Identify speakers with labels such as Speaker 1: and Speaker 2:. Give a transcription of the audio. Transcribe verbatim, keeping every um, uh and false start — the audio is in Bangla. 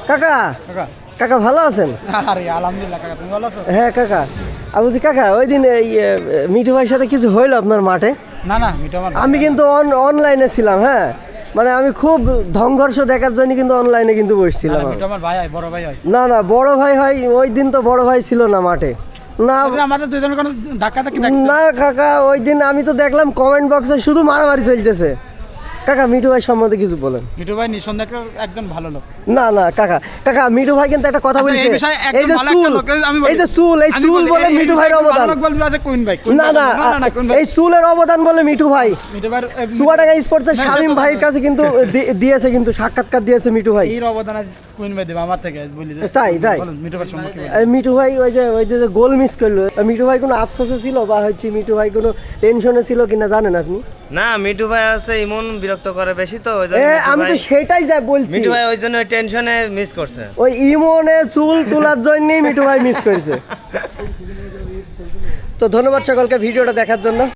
Speaker 1: কাকা
Speaker 2: কাকা
Speaker 1: কাকা ভালো আছেন?
Speaker 2: আরে আলহামদুলিল্লাহ কাকা, তুমি ভালো আছো?
Speaker 1: হ্যাঁ কাকা, আমি বলছি কাকা ওই দিন এই এ, মিঠু ভাইয়ের সাথে কিছু হইলো আপনার মাঠে?
Speaker 2: না না মিঠু আমার
Speaker 1: আমি কিন্তু অনলাইনে ছিলাম, হ্যাঁ মানে আমি খুব সংঘর্ষ দেখার জন্য কিন্তু অনলাইনে কিন্তু বসছিলাম।
Speaker 2: মিঠু আমার ভাই হয়, বড় ভাই হয়।
Speaker 1: না না বড় ভাই হয়, ওই দিন তো বড় ভাই ছিল না মাঠে। না
Speaker 2: আমাদের দুজনের কোনো ধাক্কা ধাক্কি দেখছো?
Speaker 1: না কাকা, ওই দিন আমি তো দেখলাম কমেন্ট বক্সে শুধু মারামারি চলতেছে। কাকা মিঠু ভাই সম্বন্ধে কিছু বলেন।
Speaker 2: মিঠু ভাই নিঃসন্দেহে একজন ভালো লোক।
Speaker 1: না না কাকা, কাকা মিঠু ভাই কিন্তু একটা কথা
Speaker 2: আচ্ছা,
Speaker 1: বলছে,
Speaker 2: এই বিষয়ে একদম
Speaker 1: এই যে
Speaker 2: ভালো একটা
Speaker 1: চুল,
Speaker 2: লোক, আমি বলি।
Speaker 1: এই যে চুল, এই
Speaker 2: আমি
Speaker 1: চুল
Speaker 2: বলি,
Speaker 1: বলে
Speaker 2: এই- এই
Speaker 1: মিঠু
Speaker 2: বিষয়ে
Speaker 1: ভাইয়ের
Speaker 2: একজন
Speaker 1: অবদান।
Speaker 2: ভালো লোক বলবে আছে কোন ভাই, কোন
Speaker 1: না
Speaker 2: ভাই?
Speaker 1: না
Speaker 2: না না না কোন ভাই?
Speaker 1: এই চুলের অবদান বলে মিঠু ভাই
Speaker 2: মিঠু ভাই
Speaker 1: চুয়াডাঙ্গা স্পোর্টসের
Speaker 2: না,
Speaker 1: শামীম
Speaker 2: সে তো
Speaker 1: ভাইয়ের
Speaker 2: বলবে।
Speaker 1: কাছে কিন্তু দি- দিয়েছে, কিন্তু সাক্ষাৎকার দিয়েছে মিঠু ভাই।
Speaker 2: এর অবদান আজ কোন ভাই দেবে আমার থেকে বলি যে।
Speaker 1: তাই, তাই।
Speaker 2: বলুন, মিঠু ভাই সম্পর্কে বলুন।
Speaker 1: এই মিঠু ভাই ওই যে ওই যে গোল মিস করলো, মিঠু ভাই কোনো আফসোসে ছিল বা হচ্ছে মিঠু ভাই কোনো টেনশনে ছিল কিনা জানেন আপনি?
Speaker 3: না, মিঠু ভাই আছে ইমন বিরক্ত করে বেশি, তো ওই জন্য
Speaker 1: এ,
Speaker 3: মিঠু
Speaker 1: আমি তো
Speaker 3: ভাই-
Speaker 1: সেটাই যা বলছি,
Speaker 3: মিঠু ভাই ওই জন্য টেনশনে মিস করছে।
Speaker 1: ওই ইমনে চুল তোলার জন্যই মিঠু ভাই মিস করেছে। তো ধন্যবাদ সকলকে ভিডিওটা দেখার জন্য।